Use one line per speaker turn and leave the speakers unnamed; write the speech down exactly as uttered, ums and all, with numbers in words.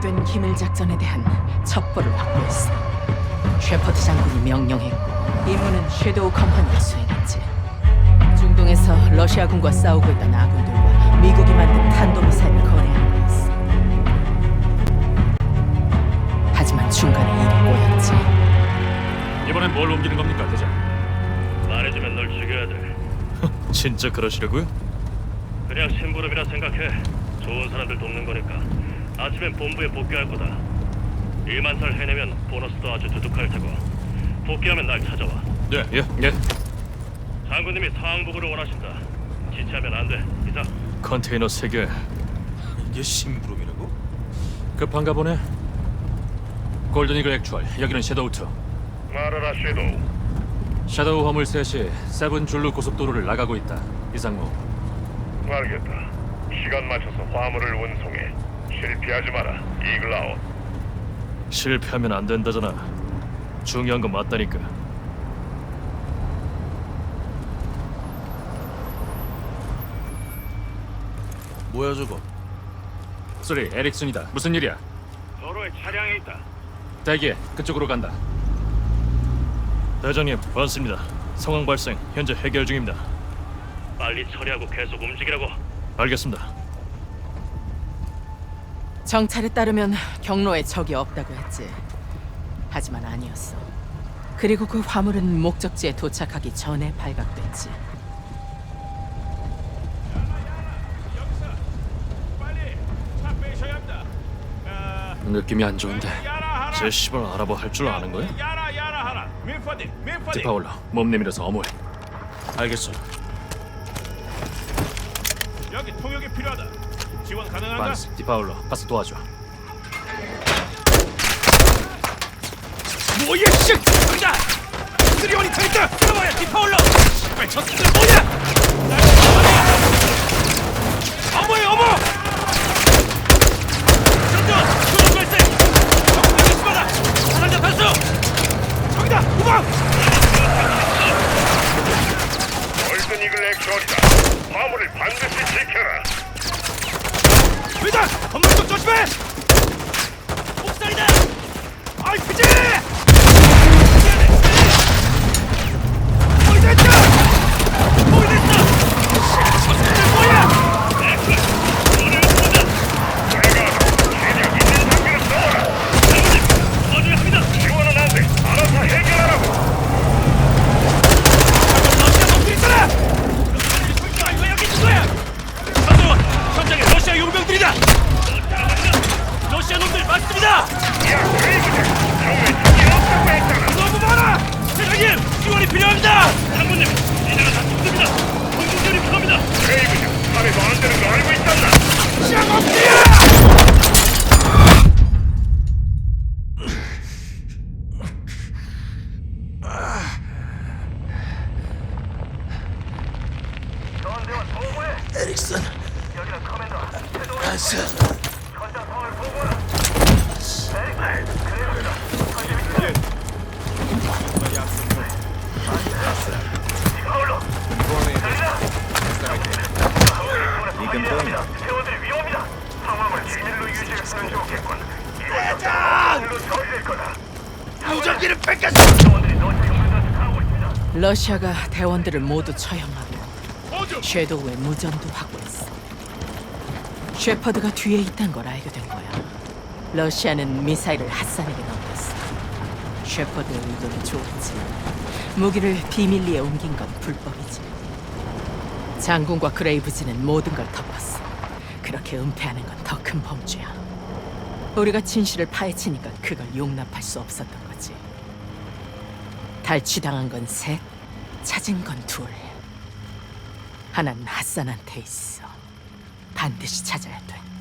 계획된 기밀 작전에 대한 첩보를 확보했어. 셰퍼드 장군이 명령했고 임무는 섀도우 컴퍼니가 수행했지. 중동에서 러시아군과 싸우고 있던 아군들과 미국이 만든 탄도미사일을 거래하는 거였어. 하지만 중간에 일이 꼬였지.
이번엔 뭘 옮기는 겁니까, 대장?
말해주면 널 죽여야 돼.
진짜 그러시려고요?
그냥 심부름이라 생각해. 좋은 사람들 돕는 거니까. 아침엔 본부에 복귀할 거다. 일만 살 해내면 보너스도 아주 두둑할 테고. 복귀하면 날 찾아와.
예, 예, 예.
장군님이 상황 보고를 원하신다. 지체하면 안 돼. 이상.
컨테이너 세 개.
이게 심부름이라고?
급한가 보네. 골든 이글 액추얼, 여기는 섀도우 투.
말하라 섀도우.
섀도우 화물 셋이 세븐 줄루 고속도로를 나가고 있다. 이상무.
알겠다. 시간 맞춰서 화물을 운송해. 실패하지 마라. 이글아웃.
실패하면 안 된다잖아. 중요한 건 맞다니까.
뭐야 저거?
소리, 에릭슨이다. 무슨 일이야?
도로에 차량이 있다.
대기해. 그쪽으로 간다. 대장님, 반갑습니다. 상황 발생. 현재 해결 중입니다.
빨리 처리하고 계속 움직이라고.
알겠습니다.
정찰에 따르면 경로에 적이 없다고 했지. 하지만 아니었어. 그리고 그 화물은 목적지에 도착하기 전에 발각됐지.
느낌이 안 좋은데. 제 시발 알아봐 할 줄 아는 거야? 디파울러, 몸 내밀어서 어머해.
알겠어.
여기 통역이 필요하다. 지원 가능한가?
반스, 디파울러, 가서 도와줘.
뭐야 씨! 저기다! 쓰리원이 저 있다! 들어봐야 디파울러! 씨발 저 새끼들 뭐냐! 어머야 어머! 전전! 수동 발생! 적군이 수마다! 사상자 단수! 저기다! 우방!
골든 이글 액션이다. 화물을 반드시 지켜라.
왜다! 건물 쪽 조심해! 옥살이다! 알피지! 보이됐다! 보이됐다! 저 새끼들 뭐야!
내가 체력 있는 장비를 써라. 장군님, 도와줘야 합니다. 지원은 안 돼. 알아서 해결하라고.
러시아 놈들 있잖아! 아 이거 여기 있는 거야! 한동원! 현장에 러시아 용병들이다! 러시아 놈들 맞습니다!
야, 그레이브들. 정말 적이 없다고 했잖아.
너무 많아! 대장님! 지원이 필요합니다!
장군님, 이제는 다 죽습니다. 공중전이 필요합니다. 그레이브들, 밤에도 안 되는 거 알고 있었나?
쌍업이야!
전대원 보고해.
에릭슨,
여기는 커맨더.
안스,
현장 상황을 보고하라. 에릭, 그레이브들. 디파울러. 들리나? 대원들이 위험합니다. 상황을 비밀로 유지했으면 좋겠군. 이번 일로 처리될 거다.
무전기를 뺏겼어!
대원들이 러시아 용병들한테 가고 있습니다.
러시아가 대원들을 모두 처형하고 섀도우의 무전도 확보했어. 셰퍼드가 뒤에 있단 걸 알게 된 거야. 러시아는 미사일을 핫산에게 넘겼어. 셰퍼드의 의도는 좋았지만 무기를 비밀리에 옮긴 건 불법이지. 장군과 그레이브즈는 모든 걸 덮었어. 그렇게 은폐하는 건 더 큰 범죄야. 우리가 진실을 파헤치니까 그걸 용납할 수 없었던 거지. 탈취당한 건 셋, 찾은 건 둘. 하나는 핫산한테 있어. 반드시 찾아야 돼.